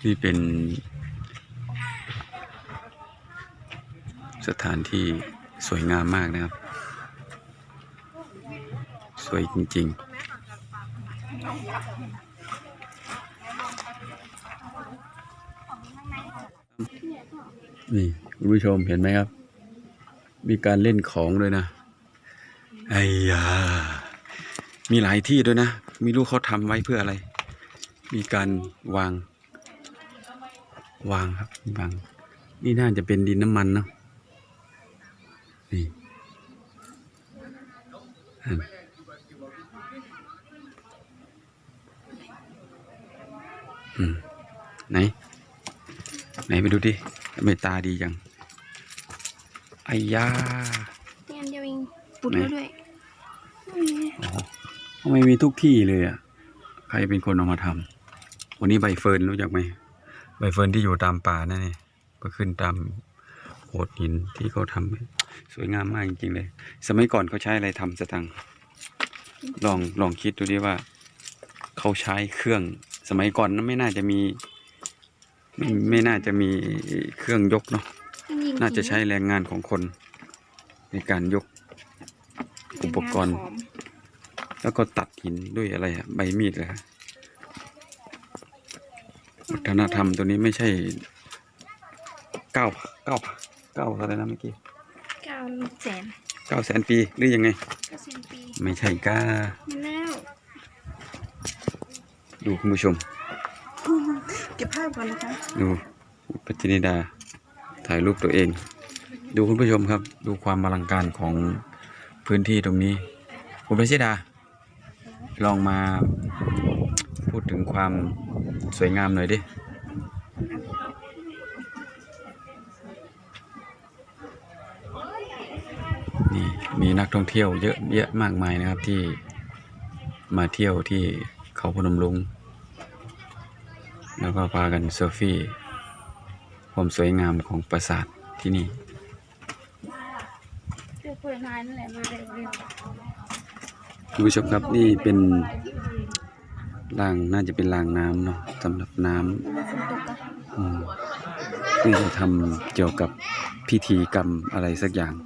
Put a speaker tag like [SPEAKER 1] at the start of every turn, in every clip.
[SPEAKER 1] นี่เป็นสถานที่สวยงามมากนะครับ สวยจริงๆนี่คุณผู้ชมเห็นไหมครับ มีการเล่นของด้วยนะไอ้ยามีหลายที่ด้วยนะไม่รู้เขาทำไว้เพื่ออะไร มีการวางครับวางนี่น่าจะเป็นดินน้ำมันเนาะนี่ไหนไปดูดิทำไมตาดีจังไอ้ยา
[SPEAKER 2] นี่อันเดียวเองปุดด้วย
[SPEAKER 1] อ๋อทำไมมีทุกที่เลยอ่ะใครเป็นคนเอามาทำวันนี้ใบเฟิร์นรู้จักไหมใบเฟิร์นที่อยู่ตามป่านั่นนี่ก็ขึ้นตามโขดหินที่เขาทำสวยงามมากจริงๆเลยสมัยก่อนเขาใช้อะไรทำสตังค์ลองคิดดูดิว่าเขาใช้เครื่องสมัยก่อนนั้นไม่น่าจะมีไม่น่าจะมีเครื่องยกเนาะน่าจะใช้แรงงานของคนในการยกอุปกรณ์แล้วก็ตัดหินด้วยอะไรอะใบมีดเลยครับวัฒนธรรมตัวนี้ไม่ใช่เก้าอะไรนะเมื่อกี้900,000 ปีหรือยังไง
[SPEAKER 2] 900,000 ปี
[SPEAKER 1] ไม่ใช่ก้า
[SPEAKER 2] แล้ว
[SPEAKER 1] ดูคุณผู้ชม
[SPEAKER 2] เก็บภาพก่อนนะคะ
[SPEAKER 1] ดูปัจจินิดาถ่ายรูปตัวเอง ดูคุณผู้ชมครับดูความอลังการของพื้นที่ตรงนี้คุณปัจจิดาลองมาพูดถึงความสวยงามหน่อยดินี่มีนักท่องเที่ยวเยอะแยะมากมายนะครับที่มาเที่ยวที่เขาพนมรุ้งแล้วก็พากันเซลฟี่ความสวยงามของปราสาทที่นี่คุณผู้ชมครับนี่เป็นรางน่าจะเป็นรางน้ำเนาะสำหรับน้ำนี่จะทำเกี่ยวกับพิธีกรรมอะไรสักอย่าง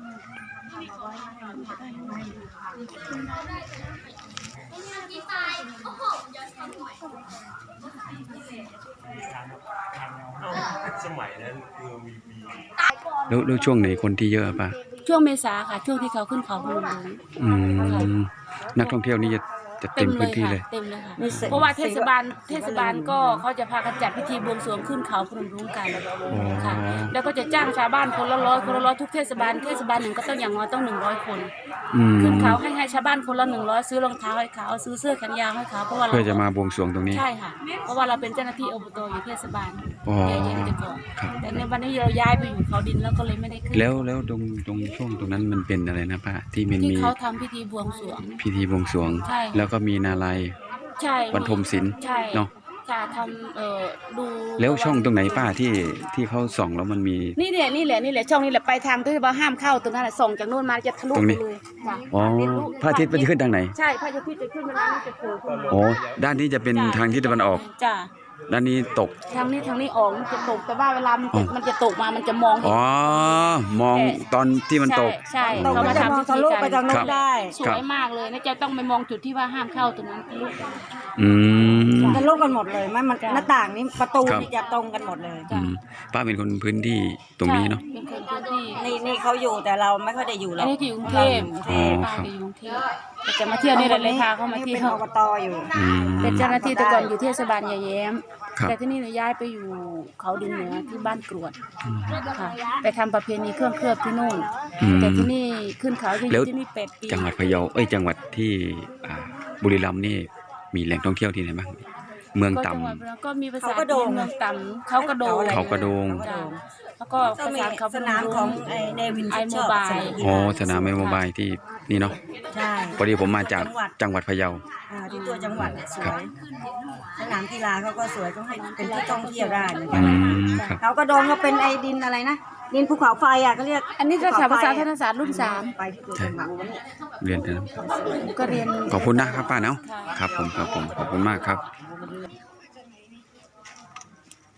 [SPEAKER 1] แล้วช่วงไหนคนที่เยอะป่ะ
[SPEAKER 3] ช่วงเมษาค่ะช่วงที่เขาขึ้นเขาพนมรุ้ง
[SPEAKER 1] นักท่องเที่ยวนี่จะเต็มพื้นที่เลย
[SPEAKER 3] เต็มเลยค่ะเพราะว่าเทศบาลก็เขาจะพากันจัดพิธีบวงสรวงขึ้นเขาพนมรุ้งกันค่ะแล้วก็จะจ้างชาวบ้านคนละร้อยทุกเทศบาลหนึ่งก็ต้องอย่างน้อยต้อง100 คนขึ้นเขาให้ชาวบ้านคนละ100ซื้อรองเท้าให้เขาซื้อเสื้อแขนยาวให้เขาเพราะว่า
[SPEAKER 1] เพื่อจะมาบวงสรวงตรงนี้
[SPEAKER 3] ใช่ค่ะเพราะว่าเราเป็นเจ้าหน้าที่อบตอยู่เทศบาลเย็นๆก่อนแต่ในวันนี้เราย้ายไปอยู่เขาดินแล้วก็เลยไม่ได้ขึ้น
[SPEAKER 1] แล้วตรงช่วงตรงนั้นมันเป็นอะไรนะป้าที่มันมี
[SPEAKER 3] เขาทำพิธีบวงสรวง
[SPEAKER 1] แล้วก็มีนาลัยบรรทมศิลป์เนาะ
[SPEAKER 3] จะทำดู
[SPEAKER 1] แล้วช่องตรงไหนป้าที่เขาส่องแล้วมันมี
[SPEAKER 3] นี่แหละช่องนี้แหละไปทางที่ว่าห้ามเข้าตรงนั้นแหละส่องจากโน่นมาจะทะลุไปเลย
[SPEAKER 1] อ๋อพระอาทิตย์มันจะขึ้นทางไหน
[SPEAKER 3] ใช่พระอาทิตย์จะขึ้นเวลานี้จะโผล่ขึ้นมา
[SPEAKER 1] อ๋อด้านนี้จะเป็นทางทิศตะวันออก
[SPEAKER 3] จ้ะ
[SPEAKER 1] ด้านนี้ตก
[SPEAKER 3] ทางนี้ออกมันจะตกแต่ว่าเวลามันจะตกมามันจะมอง
[SPEAKER 1] อ๋อมองตอนที่มันตก
[SPEAKER 3] ใช่
[SPEAKER 2] เขามาทำทะลุไปทางโน้นได้
[SPEAKER 3] สวยมากเลยนะจะต้องไปมองจุดที่ว่าห้ามเข้าตรงนั้นทะลุ
[SPEAKER 2] ทะลุกันหมดเลยมันหน้าต่างนี้ประตูนี่จะตรงกันหมดเลย
[SPEAKER 1] ป้าเป็นคนพื้นที่ตรงนี้เนาะ
[SPEAKER 3] เป็นคนพื้นที่
[SPEAKER 2] นี่เขาอยู่แต่เราไม่ค่อยได้อยู่หรอก
[SPEAKER 3] อันนี้อยู่กรุงเทพป้าอยู่กรุงเทพจะมาเที่ยวนี่เลยพาเขามาเที่ยว
[SPEAKER 2] เป็นอบตอยู่
[SPEAKER 3] เป็นเจ้าหน้าที่แต่ก่อนอยู่เทศบาลยายแย้มแต่ที่นี่หนูย้ายไปอยู่เขาดินเหนือที่บ้านกรวดค่ะไปทำประเพณีเครื่องเคลือบที่นู่นแต่ที่นี่ขึ้นเขาอยู่ที่นี่8 ปี
[SPEAKER 1] จังหวัดพะเยาจังหวัดที่บุรีรัมย์นี่มีแหล่งท่องเที่ยวที่ไหนบ้างเมืองต่
[SPEAKER 3] ำก็มีภาษาจีนเมืองต่ำเขากระโดงแล้วก็ภาษาเขา
[SPEAKER 2] สนามของเนวิน
[SPEAKER 3] ไอโมบาย
[SPEAKER 1] สนามไอโมบายที่นี่เนาะ
[SPEAKER 2] ใช่
[SPEAKER 1] พอดีผมมาจากจังหวัดพะเยา
[SPEAKER 2] ที่ตัวจังหวัดสวยสนามกีฬาเขาก็สวยต้องให้เป็นที่ท่องเที่ยวได้เหมือนกันเขากระโดงก็เป็นไอดินอะไรนะดินภูเขาไฟก็เรียก
[SPEAKER 3] อันนี้ก็ภาษาธนศาสตร์รุ่น3
[SPEAKER 2] ไปที่ตัวจังหวัด
[SPEAKER 1] เรียนนะ
[SPEAKER 3] ก็เรียน
[SPEAKER 1] ขอบคุณนะครับป้าเนาะครับผมขอบคุณมากครับ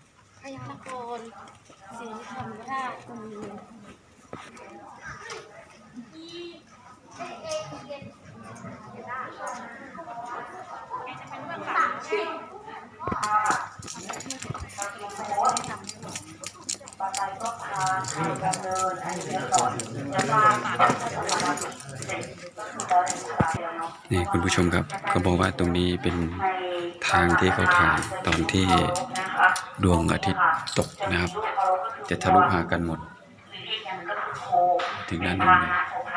[SPEAKER 3] พยัคฆ์นครศรีธรรมราชก็มี
[SPEAKER 1] นี่คุณผู้ชมครับเขาบอกว่าตรงนี้เป็นทางที่เขาถ่ายตอนที่ดวงอาทิตย์ตกนะครับ จะทะลุหากันหมด ถึงด้านนู้นเลย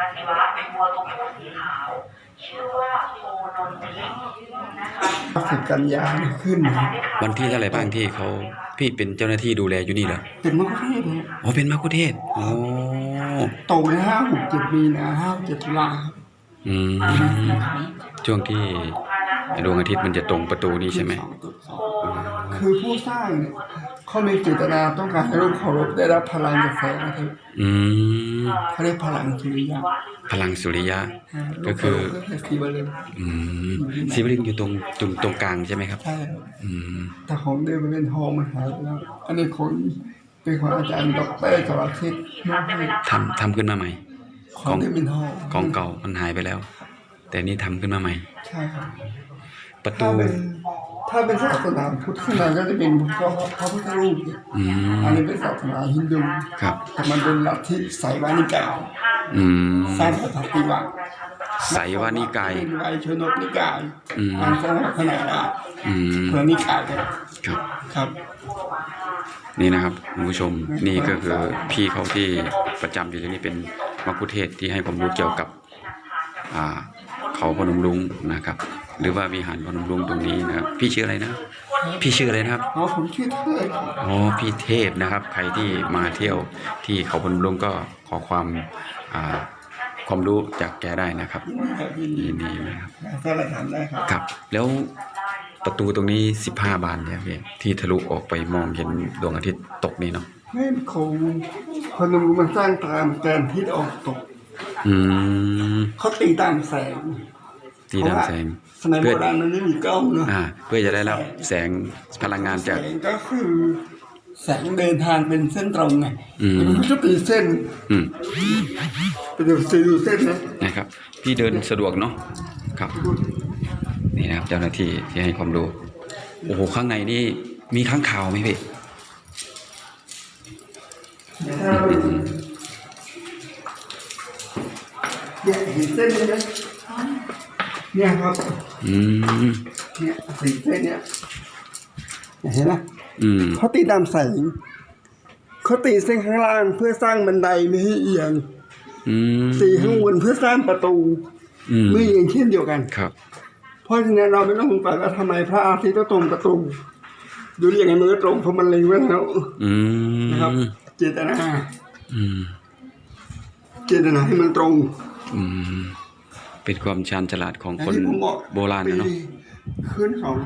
[SPEAKER 4] 10 กันยาขึ้นนะ
[SPEAKER 1] วันที่เท่าไหร่บ้างที่เขาพี่เป็นเจ้าหน้าที่ดูแลอยู่นี่เหรอ
[SPEAKER 4] เป็นมะคุเทศเลย
[SPEAKER 1] อ๋อเป็นมัคคุเทศก์โอ้
[SPEAKER 4] ตกใน5-6-7 มีนา5-7 ตุลาครับ
[SPEAKER 1] อืมช่วงที่ดวงอาทิตย์มันจะตรงประตูนี้ใช่ไหม
[SPEAKER 4] คือผู้สร้างเนี่ยเขามีเจตนาต้องการให้โลกเคารพได้รับพลังจากแสงอาทิตย์
[SPEAKER 1] อืม
[SPEAKER 4] เขาเรียกพลังสุริยะ
[SPEAKER 1] พลังสุริยะ
[SPEAKER 4] โล
[SPEAKER 1] ก็
[SPEAKER 4] ก
[SPEAKER 1] คื
[SPEAKER 4] เคาร
[SPEAKER 1] อ
[SPEAKER 4] พก็คือสีบริม
[SPEAKER 1] อืมศิวลึงอยู่ตรงกลางใช่ไหมครับ
[SPEAKER 4] ใช่ครับ
[SPEAKER 1] อืม
[SPEAKER 4] แต่ของเดิมมันเป็นทองมันหายไปแล้ว อันนี้ของเป็นของอาจารย์ดร.สรทิศมอบให้
[SPEAKER 1] ทำขึ้นมาใหม่
[SPEAKER 4] ของเดิมเป็นทอง
[SPEAKER 1] ของเก่ามันหายไปแล้ว แต่นี่ทำขึ้นมาใหม่
[SPEAKER 4] ใช่ครับ
[SPEAKER 1] ประตู
[SPEAKER 4] ถ้าเป็นศาสนาพุทธข้างในก็จะเป็นพระพุทธรูปเนี่ย
[SPEAKER 1] อืม
[SPEAKER 4] อันนี้เป็นศาสนาฮินดู
[SPEAKER 1] ครับ
[SPEAKER 4] แต่มันเป็นลัทธิไสยวานิกาย
[SPEAKER 1] อืม
[SPEAKER 4] สร้างปฏิวัติ
[SPEAKER 1] ไสยวานิกาย
[SPEAKER 4] เป็นไวยชนกนิกาย
[SPEAKER 1] อืม
[SPEAKER 4] อันสร้างขนาดได้
[SPEAKER 1] อืม
[SPEAKER 4] เพื่อนิกายครับ
[SPEAKER 1] ครับ
[SPEAKER 4] ครับ
[SPEAKER 1] นี่นะครับคุณผู้ชมนี่ก็คือพี่เขาที่ประจำอยู่ที่นี่เป็นมัคคุเทศก์ที่ให้ความรู้เกี่ยวกับเขาพนมรุ้งนะครับ หรือว่าวิหารพนมรุ้งตรงนี้นะครับ พี่ชื่ออะไรนะพี่ชื่ออะไรนะครับ
[SPEAKER 4] อ๋อผมชื่อเทิด
[SPEAKER 1] อ๋อพี่เทพนะครับ ใครที่มาเที่ยวที่เขาพนมรุ้งก็ขอความรู้จากแกได้นะครับ
[SPEAKER 4] ยินดี
[SPEAKER 1] ยินดีนะครับ
[SPEAKER 4] ถ้าเราถามได้ครับ
[SPEAKER 1] ครับ แล้วประตูตรงนี้15 บานเนี่ยพี่ที่ทะลุออกไปมองเห็นดวงอาทิตย์ตกนี่เนาะ
[SPEAKER 4] ไม่ของพนมรุ้งมันสร้างตามแกนทิศออกตก
[SPEAKER 1] อืม
[SPEAKER 4] เขาตีตามแสง
[SPEAKER 1] ตีดำแสง
[SPEAKER 4] สมัยโบราณมันไม่มีกล้องเนาะ
[SPEAKER 1] เพื่อจะได้รับแสงพลังงาน
[SPEAKER 4] แส
[SPEAKER 1] จาก
[SPEAKER 4] งก็คือแสงเดินทางเป็นเส้นตรงไง
[SPEAKER 1] อืม
[SPEAKER 4] มันก็ตีเส้น
[SPEAKER 1] อืม
[SPEAKER 4] ไปดูเส้นนะ
[SPEAKER 1] นะครับพี่เดินสะดวกเนาะครับนี่นะครับเจ้าหน้าที่ที่ให้ความรู้โอ้โหข้างในนี่มีค้างคาวไหมพี่
[SPEAKER 4] เนี่ยเห็นเส้นนี้ไหมเนี่ยครับ
[SPEAKER 1] อืม
[SPEAKER 4] เนี่ยสีเส้นเนี่ยเห็นไหม
[SPEAKER 1] อืม
[SPEAKER 4] เขาตีตามแสงเขาตีเส้นข้างล่างเพื่อสร้างบันไดไม่ให้เอียง
[SPEAKER 1] อืม
[SPEAKER 4] ตีข้างบนเพื่อสร้างประตู
[SPEAKER 1] อืม
[SPEAKER 4] ไม่เอียงเช่นเดียวกัน
[SPEAKER 1] ครับ
[SPEAKER 4] เพราะฉะนั้นเราไม่ต้องสงสัยว่าทำไมพระอาทิตย์ต้องตรงประตูดูอย่างไงมันก็ตรงเพราะมันเล็งไว้แล้ว
[SPEAKER 1] อืม
[SPEAKER 4] นะครับ เจตนา
[SPEAKER 1] อืม
[SPEAKER 4] เจตนาให้มันตรง
[SPEAKER 1] อืมเป็นความชาญฉลาดของคน
[SPEAKER 4] อย่างที่ผมบอก
[SPEAKER 1] โบราณนะเนาะ
[SPEAKER 4] ปีขึ้น2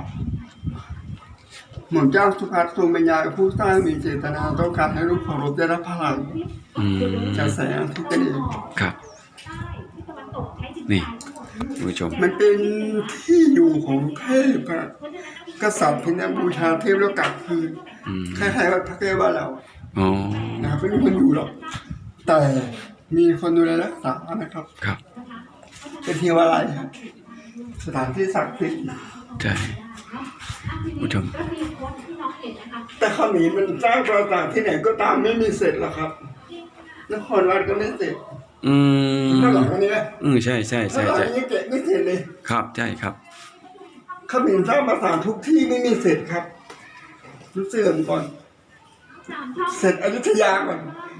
[SPEAKER 4] หม่อมเจ้าสุภัทรทรงเป็นยาผู้สร้างมีเจตนาต้องการให้ลูกเคารพได้รับพลัง
[SPEAKER 1] อืม
[SPEAKER 4] จากแสงอาทิตย์นั่นเอง
[SPEAKER 1] ครับ นี่คุณผู้ชม
[SPEAKER 4] มันเป็นที่อยู่ของเทพอะกษัตริย์ที่นับบูชาเทพแล้วกลับคืน
[SPEAKER 1] อืม
[SPEAKER 4] คล้ายๆว่าพระแก้วบ้านเรา
[SPEAKER 1] อ๋อ
[SPEAKER 4] นะครับไม่มีคนอยู่หรอกแต่มีคนดูแลรักษานะครับ
[SPEAKER 1] ครับ
[SPEAKER 4] เป็นเทวาลัยครับสถานที่ศักดิ์สิทธิ์
[SPEAKER 1] ใช่คุณผู้ชม
[SPEAKER 4] แต่เขมรมันสร้างปราสาทที่ไหนก็ตามไม่มีเสร็จหรอกครับนครวัดก็ไม่เสร็จ
[SPEAKER 1] อืม
[SPEAKER 4] ข้างหลังอันนี้นะ
[SPEAKER 1] ใช่ใช่
[SPEAKER 4] ข้า
[SPEAKER 1] ใช่
[SPEAKER 4] งหลัง
[SPEAKER 1] ใช่
[SPEAKER 4] อันนี้เก็บไม่เสร็จเลย
[SPEAKER 1] ครับใช่ครับ
[SPEAKER 4] เขมรสร้างปราสาททุกที่ไม่มีเสร็จครับรู้เสื่อมก่อน เสร็จอยุธยาก่อน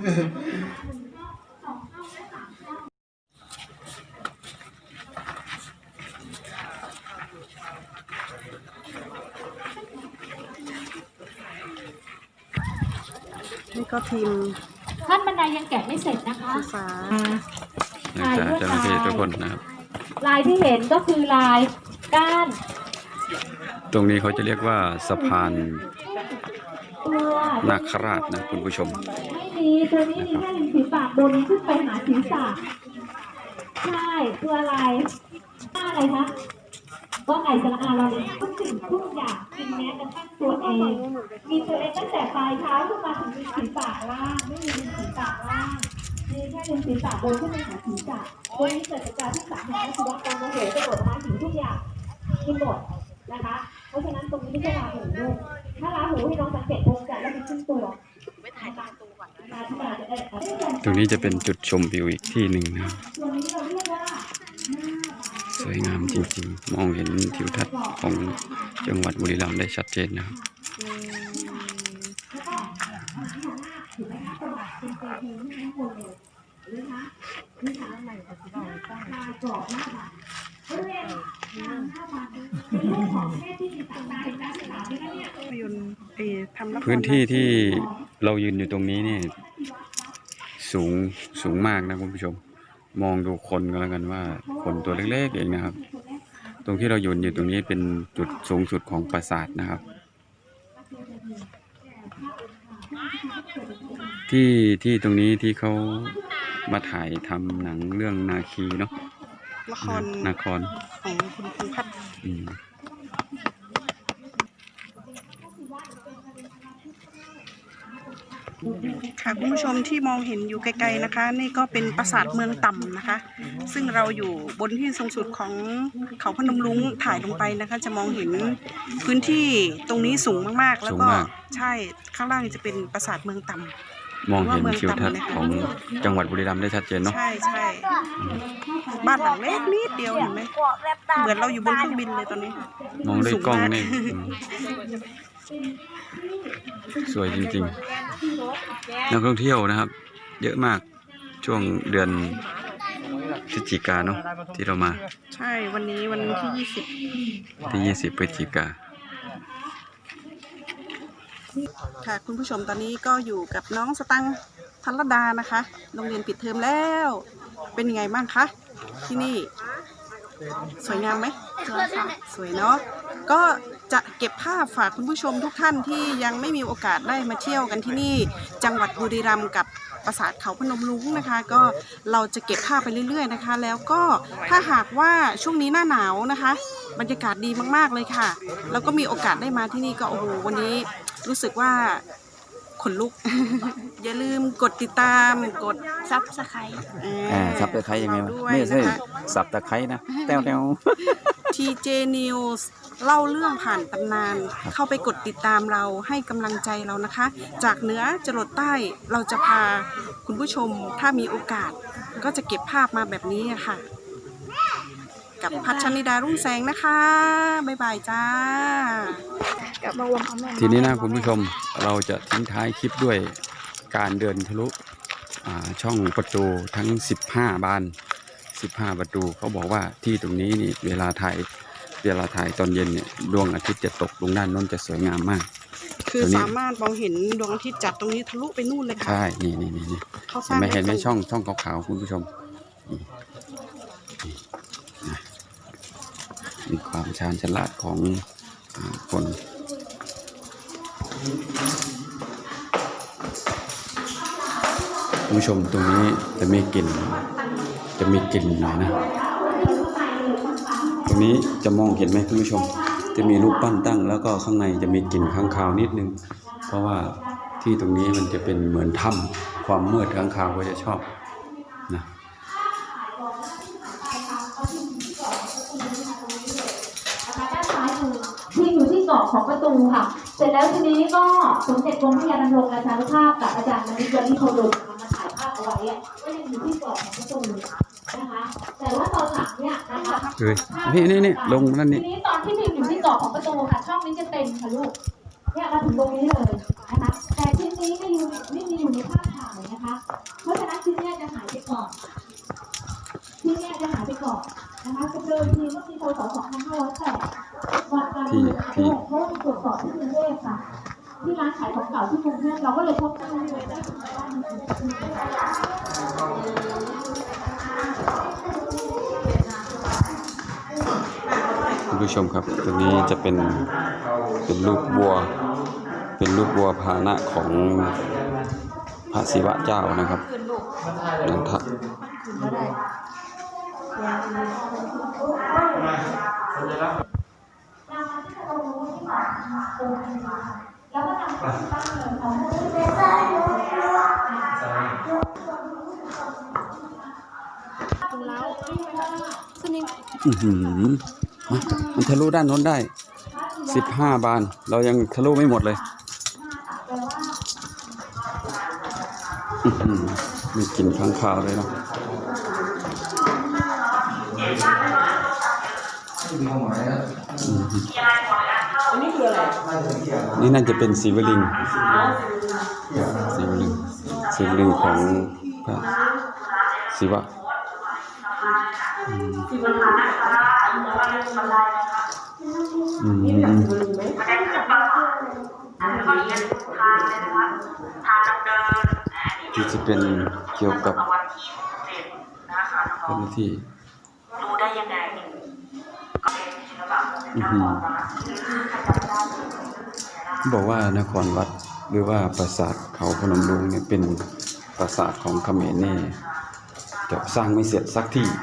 [SPEAKER 2] นี่ก็พิมพ์
[SPEAKER 5] ขั้นบันไดยังแกะไม่เสร็จนะคะ
[SPEAKER 2] ภาษา
[SPEAKER 1] จากเจ้าหน้าที่ทุกคนนะครับ
[SPEAKER 5] ลายที่เห็นก็คือลายก้าน
[SPEAKER 1] ตรงนี้เขาจะเรียกว่าสะพาน
[SPEAKER 5] ตัว
[SPEAKER 1] นาคราชนะคุณผู้ชม
[SPEAKER 5] ไม่มีตัวนี้มีแค่ริมฝีปากบนขึ้นไปหาศีรษะใช่ตัวอะไรหน้าอะไรคะว่าไก่สระอาเราเนี่ยทุกสิ่งทุกอย่างกินแม้กระทั่งตัวเองมีตัวเองตั้งแต่ปลายเท้าขึ้นมาถึงริมฝีปากล่างไม่มีริมฝีปากล่างมีแค่ริมฝีปากบนขึ้นไปหาศีรษะตัวนี้เกิดจากการที่สารแห่งชีวะการโมโหกระโดดมาถึงทุกอย่างกินหมดนะคะเพราะฉะนั้นตรงนี้ไม่ใช่ราหูด้วยถ้าราหูให้น้องสังเกตองค์จัดแล้วมีขึ้นตัวไม่ถ่ายตามตัวก่อนนะที่มาจะได้
[SPEAKER 1] ตรงนี้จะเป็นจุดชมวิวอีกที่หนึ่งนะครับ
[SPEAKER 5] ตัวนี้เราเรียกว่า
[SPEAKER 1] สวยงามจริงๆ มองเห็นทิวทัศน์ของจังหวัดบุรีรัมย์ได้ชัดเจนนะครับ พื้นที่ที่เรายืนอยู่ตรงนี้นี่สูงมากนะคุณผู้ชม มองดูคนก็แล้วกันว่าคนตัวเล็กๆเองนะครับ ตรงที่เรายืนอยู่ตรงนี้เป็นจุดสูงสุดของปราสาทนะครับ ที่ตรงนี้ที่เขามาถ่ายทำหนังเรื่องนาคีเนาะนาคร
[SPEAKER 6] ของคุณพงษ์พัฒน์ค่ะคุณผู้ชมที่มองเห็นอยู่ไกลๆนะคะนี่ก็เป็นปราสาทเมืองต่ำนะคะซึ่งเราอยู่บนที่สูงสุดของเขาพนมรุ้งถ่ายลงไปนะคะจะมองเห็นพื้นที่ตรงนี้สูงมากๆแล้วก็ใช่ข้างล่างจะเป็นปราสาทเมืองต่ำ
[SPEAKER 1] มองเห็นทิวทัศน์ของจังหวัดบุรีรัมย์ได้ชัดเจนเนาะ
[SPEAKER 6] ใช่บ้านหลังเล็กนิดเดียวเห็นไหมเหมือนเราอยู่บนเครื่องบินเลยตอนนี้
[SPEAKER 1] มองด้วยกล้องนี่สวยจริงๆนักท่องเที่ยวนะครับเยอะมากช่วงเดือนพฤศจิกายนเนาะที่เรามา
[SPEAKER 6] ใช่วันนี้วันที่
[SPEAKER 1] 20พฤศจิกายน
[SPEAKER 6] ค่ะคุณผู้ชมตอนนี้ก็อยู่กับน้องสตังค์ธัลดานะคะโรงเรียนปิดเทอมแล้วเป็นยังไงบ้างคะที่นี่สวยงามไหมสวยเนาะก็จะเก็บภาพฝากคุณผู้ชมทุกท่านที่ยังไม่มีโอกาสได้มาเที่ยวกันที่นี่จังหวัดบุรีรัมย์กับปราสาทเขาพนมรุ้งนะคะก็เราจะเก็บภาพไปเรื่อยๆนะคะแล้วก็ถ้าหากว่าช่วงนี้หน้าหนาวนะคะบรรยากาศดีมากๆเลยค่ะแล้วก็มีโอกาสได้มาที่นี่ก็โอ้โหวันนี้รู้สึกว่าขนลุก อย่าลืมกดติดตามกดซับสไครต์
[SPEAKER 1] ซับตะไคร้ยังไงวะไม่ใช่ซับตะไคร้นะแต้ว
[SPEAKER 6] TJ News เล่าเรื่องผ่านตำนานเข้าไปกดติดตามเราให้กำลังใจเรานะคะจากเหนือจรดใต้เราจะพาคุณผู้ชมถ้ามีโอกาสก็จะเก็บภาพมาแบบนี้ค่ะกับพัชนิดารุ่งแสงนะคะบ๊ายบายจ้า
[SPEAKER 1] ทีนี้นะคุณผู้ชมเราจะทิ้งท้ายคลิปด้วยการเดินทะลุช่องประตูทั้ง15 บาน15 ประตูเขาบอกว่าที่ตรงนี้นี่เวลาถ่ายตอนเย็นเนี่ยดวงอาทิตย์จะตกลงด้านโน้นจะสวยงามมาก
[SPEAKER 6] คือสามารถมองเห็นดวงอาทิตย์จากตรงนี้ทะลุไปนู่นเลยค่ะ
[SPEAKER 1] ใช่นี่ไม่เห็นไหมช่องขาวๆคุณผู้ชมมีความชาญฉลาดของคนคุณผู้ชมตรงนี้จะมีกลิ่นหน่อยนะตรงนี้จะมองเห็นไหมคุณผู้ชมจะมีรูปปั้นตั้งแล้วก็ข้างในจะมีกลิ่นค้างคาวนิดนึงเพราะว่าที่ตรงนี้มันจะเป็นเหมือนถ้ำความมืดค้างคาวก็จะชอบนะ
[SPEAKER 5] ที่อยู่ที่เกาะของประตูค่ะเสร็จแล้วทีนี้ก็สมเด็จกรมพระยาดำรงราชานุภาพกับอาจารย์มณิช นิโคดมมาถ่ายภาพเอาไว้ก็ยังอยู่ที่เกาะของประตูนะคะแต่ว่าตอนหลังเนี่ยนะคะ
[SPEAKER 1] นี่ลงนั่นนี่
[SPEAKER 5] ทีนี้ตอนที่พิมพ์อยู่ที่เกาะของประตูค่ะช่องนี้จะเต็มค่ะลูกเนี่ยมาถึงตรงนี้เลยนะคะแต่ชิ้นนี้ไม่มีอยู่ในภาพถ่ายนะคะเพราะฉะนั้นชิ้นนี้จะหายไปก่อนนะคะเดิมทีเมื่อปีพ.ศ. 2508วันการเมืองเพราะตรวจสอบที่กรุงเทพค่ะที่ร้านขายของเก่าที่กรุงเทพเราก็เลยพบกันเลยได้
[SPEAKER 1] คุณผู้ชมครับตรงนี้จะเป็นรูปวัวพาหนะของพระศิวะเจ้านะครับนันทะอื้อหือมันทะลุด้านโน้นได้15 บานเรายังทะลุไม่หมดเลยมีกลิ่นค้างคาวเลยเนาะนี่น่าจะเป็นศิวลึงของพระศิวะที่จะเป็นเกี่ยวกับเจ้าหน้าที่รู้ได้ยังไงบอกว่านครวัดหรือว่าปราสาทเขาพนมรุ้งเนี่ยเป็นปราสาทของเขมรนี่จะสร้างไม่เสร็จสักที่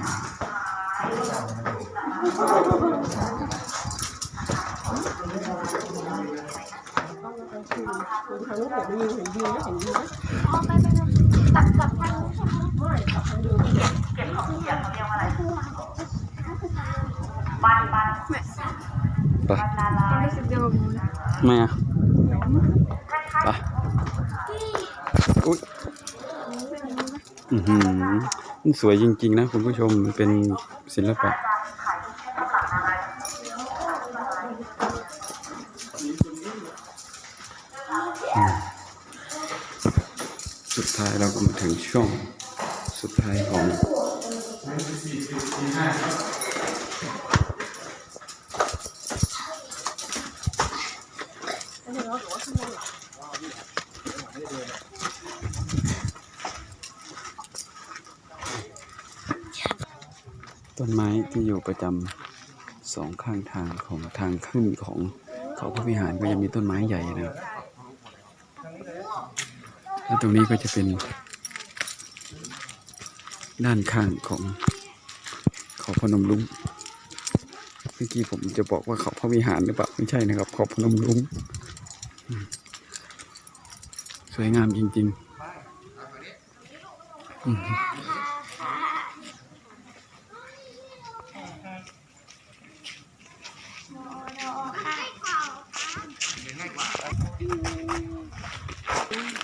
[SPEAKER 1] ไปไม่อะไปอุ๊ยมันสวยจริงๆนะคุณผู้ชมเป็นศิลปะสุดท้ายเราก็มาถึงช่วงสุดท้ายของต้นไม้ที่อยู่ประจำ2 ข้างทางของทางขึ้นของเขาพระวิหารก็จะมีต้นไม้ใหญ่นะครับแล้วตรงนี้ก็จะเป็นด้านข้างของเขาพนมรุ้งเมื่อกี้ผมจะบอกว่าเขาพระวิหารหรือเปล่าไม่ใช่นะครับเขาพนมรุ้งสวยงามจริงๆไป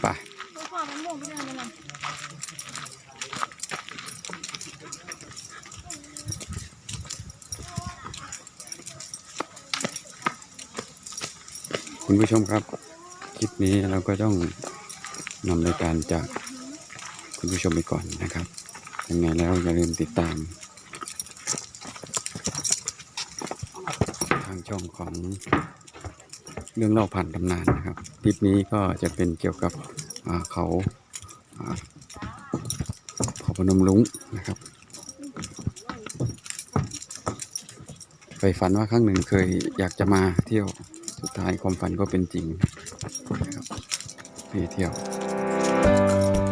[SPEAKER 1] คุณผู้ชมครับคลิปนี้เราก็ต้องนำรายการจากคุณผู้ชมไปก่อนนะครับยังไงแล้วอย่าลืมติดตามทางช่องของเรื่องเล่าผ่านตำนานนะครับคลิปนี้ก็จะเป็นเกี่ยวกับเขาพนมรุ้งนะครับไปฝันว่าครั้งหนึ่งเคยอยากจะมาเที่ยวสุดท้ายความฝันก็เป็นจริงนะครับไปเที่ยว